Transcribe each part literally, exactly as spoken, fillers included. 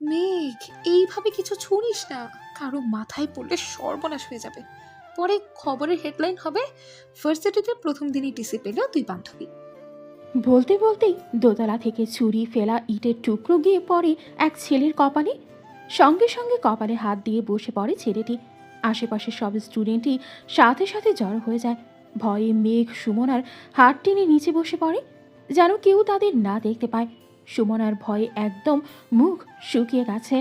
মেঘ, এইভাবে কিছু ছুড়িস না, কারো মাথায় পড়লে সর্বনাশ হয়ে যাবে। পরে খবরের হেডলাইন হবে, ভার্সিটিতে প্রথম দিনই টিসি পেল দুই বান্ধবী। বলতে বলতেই দোতলা থেকে ছুরি ফেলা ইটের টুকরো গিয়ে পড়ে এক ছেলের কপালে। সঙ্গে সঙ্গে কপালে হাত দিয়ে বসে পড়ে ছেলেটি। আশেপাশের সব স্টুডেন্টই সাথে সাথে জড়ো হয়ে যায়। ভয়ে মেঘ সুমনার হাত টেনে নিচে বসে পড়ে, যেন কেউ তাদের না দেখতে পায়। সুমনার ভয়ে একদম মুখ শুকিয়ে গেছে।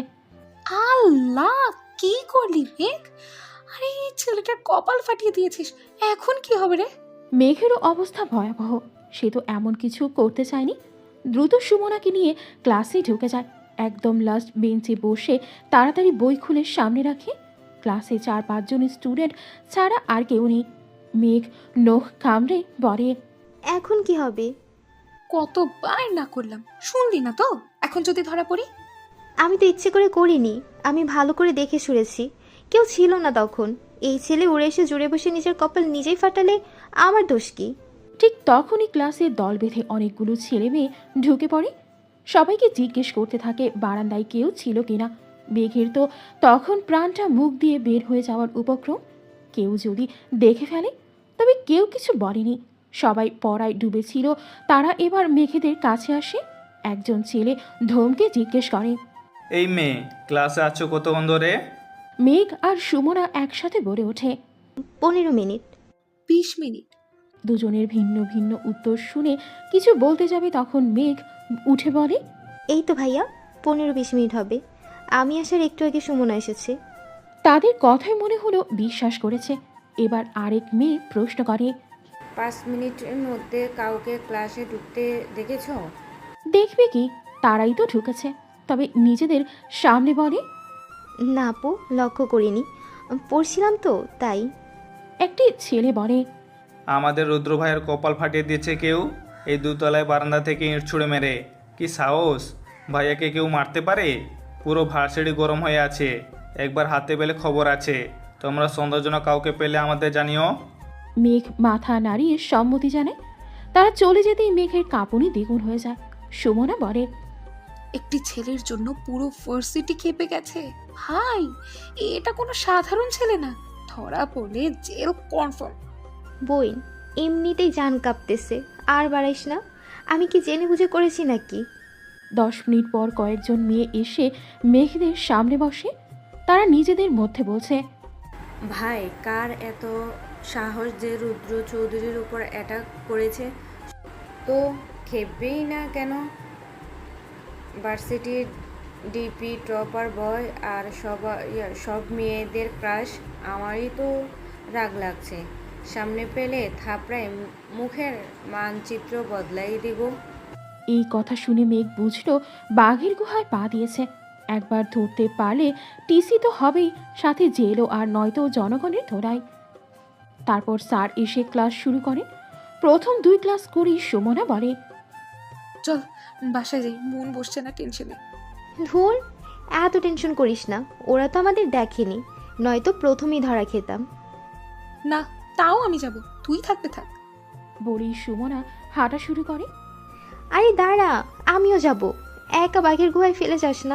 আল্লাহ, কি করলি মেঘ? আরে এই ছেলেটার কপাল ফাটিয়ে দিয়েছিস, এখন কি হবে রে? মেঘেরও অবস্থা ভয়াবহ। সে তো এমন কিছু করতে চায়নি। দ্রুত সুমনাকে নিয়ে ক্লাসে ঢুকে যায়। একদম লাস্ট বেঞ্চে বসে তাড়াতাড়ি বই খুলে সামনে রাখে। ক্লাসে চার পাঁচজন স্টুডেন্ট ছাড়া আর কেউ নেই। মেঘ নখ কামড়ে বলে, এখন কি হবে? কতবার না করলাম, শুনলি না তো? এখন যদি ধরা পড়ি? আমি তো ইচ্ছে করে করিনি, আমি ভালো করে দেখে শুনেছি। কেউ ছিল না তখন। এই ছেলে উড়ে এসে জুড়ে বসে নিজের কপাল নিজেই ফাটালে আমার দোষ কি? ঠিক তখনই ক্লাসে দল বেঁধে অনেকগুলো ছেলে মেয়ে ঢুকে পড়ে। সবাইকে জিজ্ঞেস করতে থাকে বারান্দায় কেউ ছিল কিনা। মেঘের তো তখন প্রাণটা মুখ দিয়ে বের হয়ে যাওয়ার উপক্রম। কেউ যদি দেখে ফেলে, তবে কেউ কিছু বলেনি। সবাই পড়ায় ডুবেছিল। তারা এবার মেঘেদের কাছে আসে। একজন ছেলে ধমকে জিজ্ঞেস করে, এই মেয়ে, ক্লাসে আছো কতক্ষণ ধরে? মেঘ আর সুমনা একসাথে বলে ওঠে, পনেরো মিনিট। বিশ মিনিট। দুজনের ভিন্ন ভিন্ন উত্তর শুনে কিছু বলতে যাবে তখন মেঘ উঠে বলে, এই তো ভাইয়া, পনেরো বিশ মিনিট হবে। আমি আসার একটু আগে সুমনা এসেছে। তাদের কথাই মনে হলো বিশ্বাস করেছে। এবার আরেক মেয়ে প্রশ্ন করে, পাঁচ মিনিটের মধ্যে কাউকে ক্লাসে ঢুকতে দেখেছো? দেখবে কি, তারাই তো ঢুকেছে। তবে নিজেদের সামনে বলে, না আপু, লক্ষ্য করিনি, পড়ছিলাম তো তাই। একটি ছেলে বলে, আমাদের রুদ্র ভাইয়ের কপাল ফাটিয়ে দিয়েছে কেউ, এই দুতলায় বারান্দা থেকে ইঁট ছুঁড়ে মেরে। কি সাহস! ভাইয়াকে কেউ মারতে পারে? পুরো ভার্সিটি গরম হয়ে আছে। একবার হাতে পেলে খবর আছে। তোমরা সন্দেহজনক কাউকে পেলে আমাদের জানিও। মেঘ মাথা নাড়িয়ে সম্মতি জানায়। তারা চলে যেতেই মেঘের কাঁপুনি দ্বিগুণ হয়ে যায়। সুমনা বলে, একটি ছেলের জন্য পুরো ভার্সিটি খেপে গেছে। হাই, এটা কোনো সাধারণ ছেলে না, ধরা পড়লে জেল কনফার্ম। বইন, এমনিতেই জান কাঁপতেছে, আর বাড়াইস না। আমি কি জেনে বুঝে করেছি নাকি? দশ মিনিট পর কয়েকজন মেয়ে এসে মেঘদের সামনে বসে। তারা নিজেদের মধ্যে বলছে, ভাই, কার এত সাহস যে রুদ্র চৌধুরীর উপর অ্যাটাক করেছে? তো খেপবেই না কেন? ভার্সিটির ডিপি টপার বয় আর সব সব মেয়েদের ক্রাশ। আমারই তো রাগ লাগছে। সামনে পেলে থাপড়ায় মুখের মানচিত্র বদলাই দিব। এই কথা শুনে মেঘ বুঝলো বাঘের গুহায় পা দিয়েছে। একবার ধরতে পারলে টিসি তো হবেই, সাথে জেলও, আর নয়তো জনগণের ধরাই। তারপর স্যার এসে ক্লাস শুরু করেন। প্রথম দুই ক্লাস করেই সুমনা বলে, চল বাসায় যাই, মন বসছে না টেনশনে। ধুর, এত টেনশন করিস না। ওরা তো আমাদের দেখেনি, নয়তো প্রথমেই ধরা খেতাম। না, তাও আমি যাব, তুই থাকতে থাক। বলেই সুমনা হাঁটা শুরু করে। আরে দাঁড়া, আমিও যাব। একা বাঘের গুহায় ফেলে যাস না।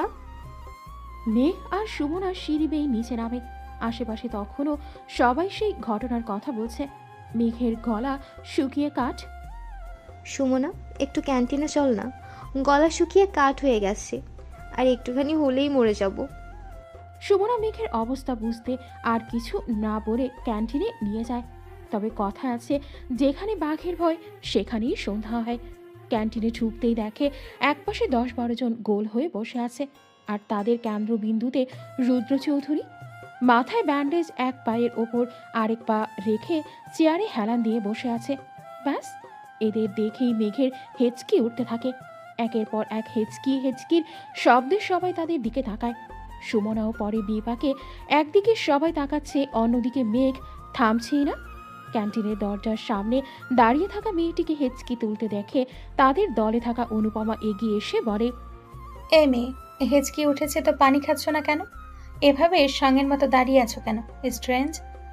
মেঘ আর সুমনা সিঁড়ি বেয়ে নিচে নামে। আশেপাশে তখনও সবাই সেই ঘটনার কথা বলছে। মেঘের গলা শুকিয়ে কাঠ। সুমনা, একটু ক্যান্টিনে চল না, গলা শুকিয়ে কাঠ হয়ে গেছে, আর একটুখানি হলেই মরে যাব। সুমনা মেঘের অবস্থা বুঝতে আর কিছু না বলে ক্যান্টিনে নিয়ে যায়। তবে কথা আছে, যেখানে বাঘের ভয় সেখানেই সন্ধ্যা হয়। ক্যান্টিনে ঢুকতেই দেখে একপাশে দশ বারো জন গোল হয়ে বসে আছে, আর তাদের কেন্দ্রবিন্দুতে রুদ্র চৌধুরী। মাথায় ব্যান্ডেজ, এক পায়ের ওপর আরেক পা রেখে চেয়ারে হেলান দিয়ে বসে আছে। ব্যাস, এদের দেখেই মেঘের হেঁচকি উঠতে থাকে। একের পর এক হেঁচকি হেঁচকির শব্দে সবাই তাদের দিকে তাকায়। সুমনাও পরে বিপাকে। একদিকে সবাই তাকাচ্ছে, অন্যদিকে মেঘ থামছেই না। ক্যান্টিনের দরজার সামনে দাঁড়িয়ে থাকা মেয়েটিকে হেঁচকি তুলতে দেখে তাদের দলে থাকা অনুপমা এগিয়ে এসে বলে, এ মেয়ে, হেঁচকি উঠেছে তো পানি খাচ্ছ না কেন? এভাবে সঙ্গের মতো দাঁড়িয়ে আছো কেন? স্ট্রেঞ্জ।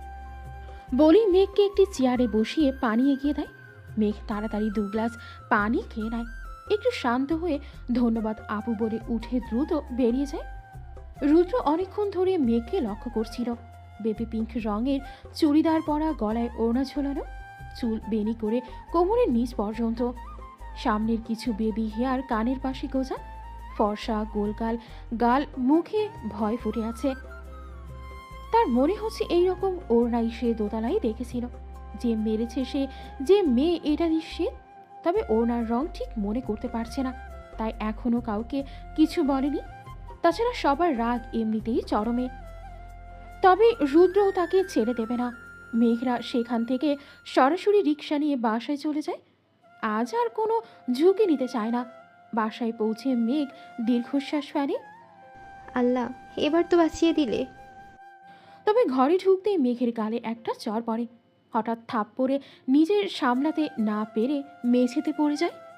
বলেই মেঘকে একটি চেয়ারে বসিয়ে পানি এগিয়ে দেয়। মেঘ তাড়াতাড়ি দু গ্লাস পানি খেয়ে নেয়। একটু শান্ত হয়ে ধন্যবাদ আপু বলে উঠে দ্রুত বেরিয়ে যায়। রুদ্র অনেকক্ষণ ধরে মেঘকে লক্ষ্য করছিল। বেবি পিঙ্ক রঙের চুড়িদার পরা, গলায় ওড়না ঝোলানো, চুল বেনি করে কোমরের নিচ পর্যন্ত, সামনের কিছু বেবি হেয়ার কানের পাশে গোজা, ফর্সা গোলগাল গাল, মুখে ভয় ফুটে আছে। তার মনে হচ্ছে এইরকম ওড়নাই সে দোতলায় দেখেছিল। যে মেরেছে সে, যে মেয়ে এটা নিশ্চিত, তবে ওড়নার রং ঠিক মনে করতে পারছে না, তাই এখনো কাউকে কিছু বলেনি। তাছাড়া সবার রাগ এমনিতেই চরমে। তবে রুদ্রও তাকে ছেড়ে দেবে না। মেঘরা সেখান থেকে সরাসরি রিক্সা নিয়ে বাসায় চলে যায়। আজ আর কোনো ঝুঁকি নিতে চায় না। বাসায় পৌঁছে মেঘ দীর্ঘশ্বাস ফেলে। আল্লাহ, এবার তো বাঁচিয়ে দিলে। তবে ঘরে ঢুকতেই মেঘের গালে একটা চড় পড়ে। হঠাৎ থাপ্পড়ে নিজের সামলাতে না পেরে মেঝেতে পড়ে যায়।